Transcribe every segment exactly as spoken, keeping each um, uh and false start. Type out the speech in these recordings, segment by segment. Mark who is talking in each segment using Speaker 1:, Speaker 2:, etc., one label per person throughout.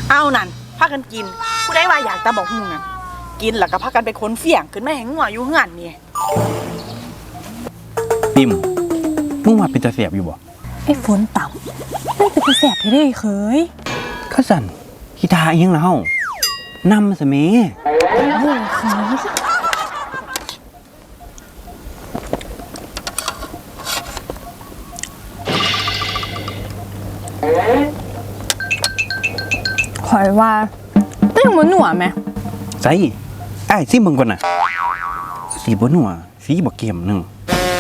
Speaker 1: เอานั่นพากันกินผู้ใดว่าอยากตาบอกมึงน่ะกินแล้วก็พากันไปค้นเสี่ยงขึ้นมาให้งัวอยู่เฮือนนี่
Speaker 2: ปิ่มมึงว่าเป็นตาแสบอยู่บ่
Speaker 3: ไอ้ฝนต่ำไม่จะไปแสบที่ได้เคย
Speaker 2: ข้าสั่นกีตาร์เอียงแล้วนำสเมโอ้ยเคย
Speaker 3: คอยว่าแต่ยังบ่หนัวไหม
Speaker 2: ใส่ไอ้ซิมึงก่อนน่ะสีบ่หนัวสีบ่เค็มนึง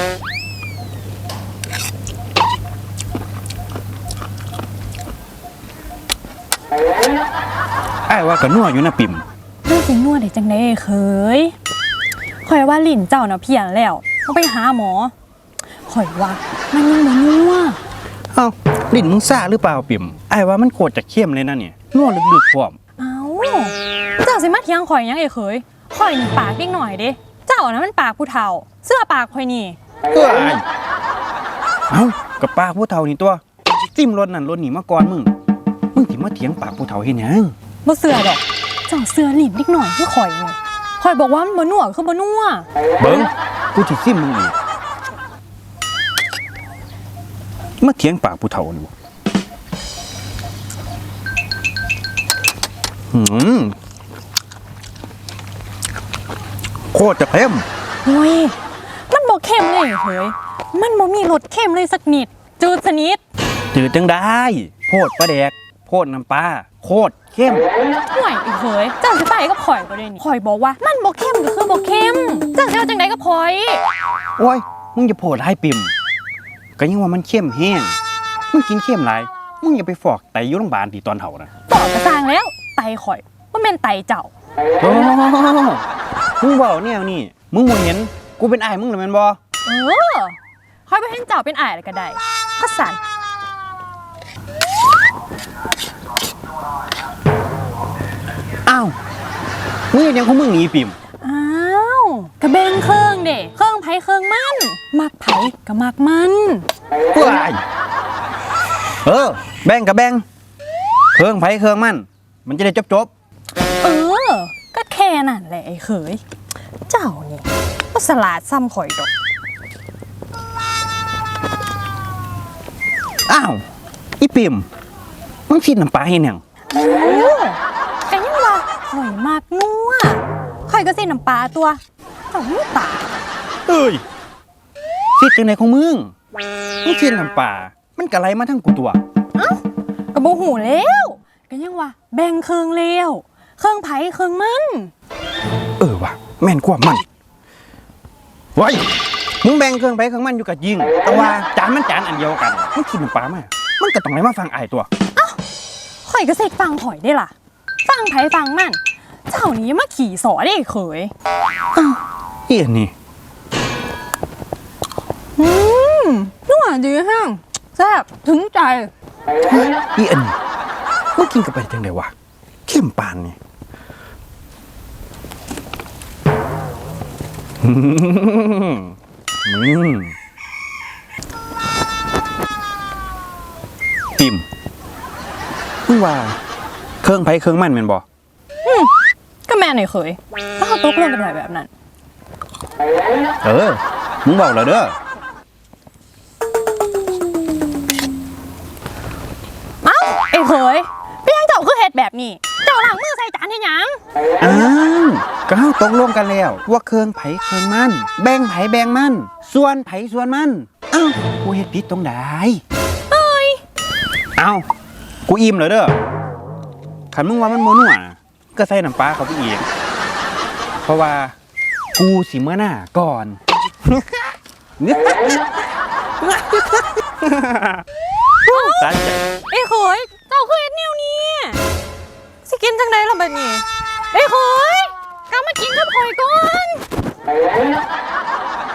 Speaker 2: ไอ้ว่าก็นัวอยู่นะปิ่ม
Speaker 3: เรื่องสินัวได้จังได๋เคยคอยว่าลิ้นเจ้าน่ะเพี้ยนแล้วต้องไปหาหมอคอยว่ามันยังบ่นัว
Speaker 2: เอ้าลิ้นมึงซ่าหรือเปล่าปิ่มไอ้ว่ามันโคตรจะเค็มเลยนะเนี่ยนัวลึกๆพร้อม
Speaker 3: เอ้าเจ้าสิมาเถียงข่อยยังไอ้เคยข่อยนี่ปากเล็กหน่อยเด้เจ้าน่ะมันปากผู้เฒ่าเสื้อปากข่อยนี่
Speaker 2: เอ้ยเอ้ากับปากผู้เฒ่านี่ตัวจิ้มรถนั่นรถนี่มาก่อนมึงมึงสิมาเถียงปากผู้เฒ่าเฮ็ดหยัง
Speaker 3: บ่เสื้อดอกเจ้าเสื้อลิ้นเล็กหน่อยคือข่อยนี่ข่อยบอกว่ามันบ่นัวคือบ่นัว
Speaker 2: เบิ่งกูสิซิมมึงอีกมาเถียงปากผู้เฒ่านี่หืมโคตรจะเค็ม
Speaker 3: โอ้ยมันบ่เค็มเลยเฮ้ยมันบ่มีรสเค็มเลยสักนิดจืดสนิท
Speaker 2: จืดจังได้โพดปลาแดกโพดน้ำปลาโคตรเค็ม
Speaker 3: ห่วยอีกเฮ้ยเจ้าสิไปกับข่อยบ่ได้นี่ข่อยบอกว่ามันบ่เค็มก็คือบ่เค็มเจ้าสิเอาจังได๋กับข่อย
Speaker 2: โอ้ยมึงอย่าโพดให้ปิ่มก็ยังว่ามันเค็มแห้งมึงกินเค็มหลายมึงอย่าไปฟอกไตอยู่โรงพยาบาลที่ตอนเฒ่านะ
Speaker 3: ตอกกระสร้างแล้วไตข่อยบ่แม่นไตเจ้า
Speaker 2: โอ้มึงเว้าแนวนี้มึงบ่เห็นกูเป็นอ้ายมึงหรือแม่นบ่
Speaker 3: เออข่อยบ่เห็นเจ้าเป็นอ้ายแล้วก็ได้คัดสั่น
Speaker 2: อ้าวมึงยังของมึงหนีปิ่ม
Speaker 3: อ้าวกระเบงเครื่องเด้เครื่องไผเครื่องมันมักไผก็มักมัน
Speaker 2: ว้ายเออแบ่งกับแบ่งเครื่องไผเครื่องมันมันจะได้จบ
Speaker 3: ๆเออก็แค่นั้นแหละไอ้เขยเจ้านี่ก็สลาดซ้ำข่อยดอก
Speaker 2: อ้าวอีปิ่มมึงชิดน้ำปลาเฮ็ดหยัง
Speaker 3: เออก็ยังว่าข่อยมากนัวข่อยก็สิน้ำปลาตัวเจ้าหูตา
Speaker 2: เอ้ยชิดจังได๋ของมึงมึงชิดน้ำปลามันก็ไหลมาทั้งกูตัว
Speaker 3: เอ้าก็บ่ฮู้แล้วก็ยังว่าแบ่งเครื่องแล้วเครื่องไผเครื่องมัน
Speaker 2: เออว่ะแม่นกว่ามันเฮ้ยมึงแบ่งเครื่องไผเครื่องมันอยู่กับยิงแต่ว่าจานมันจานอันเดียวกันมึงกินน้ำปลามามันก็ต้องไหลมาฟังอ้ายตัว
Speaker 3: เอ้าข่อยก็เสกฟังข่อยได้ล่ะฟังไผฟังมันเจ้านี้มาขี่สอได้เขย
Speaker 2: อ้าวอีอันนี้
Speaker 3: อืมนัวดีแห้งแซ่บถึงใจ
Speaker 2: อีอันนี้มึงกินกับไปจังได๋วะเข้มปานนี่อืมปิ่มมึงว่าเครื่องไผเครื่องมันแม่นบ่
Speaker 3: อืมก็แม่นไอ้เขยถ้าเขาตกลงกันได้แบบนั้น
Speaker 2: เออมึงบอกแล้วเด้อ
Speaker 3: เอ้าไอ้เขยพี่ยังเจ้าคือเฮ็ดแบบนี้เจ้าล้างมือใส่จานเฮ็ดหยัง
Speaker 2: อ้าวก็เฮาตกลงกันแล้วว่าเครื่องไผเครื่องมันแบ่งไผแบ่งมันส่วนไผส่วนมันเอ้ากูเฮ็ดผิดตรงใด
Speaker 3: เอ้ย
Speaker 2: เอ้ากูอิ่มแล้วเด้อคันมึงว่ามันบ่นัวก็ใส่น้ำปลาเข้าไปอีกเพราะว่ากูสิมื้อหน้าก่อน
Speaker 3: ตายใจไอ้เขยเจ้าคือเฮ็ดแนวนี้สิกินจังได๋ล่ะบัดนี้ไอ้เขยกลับมากินกับข่อยก่อน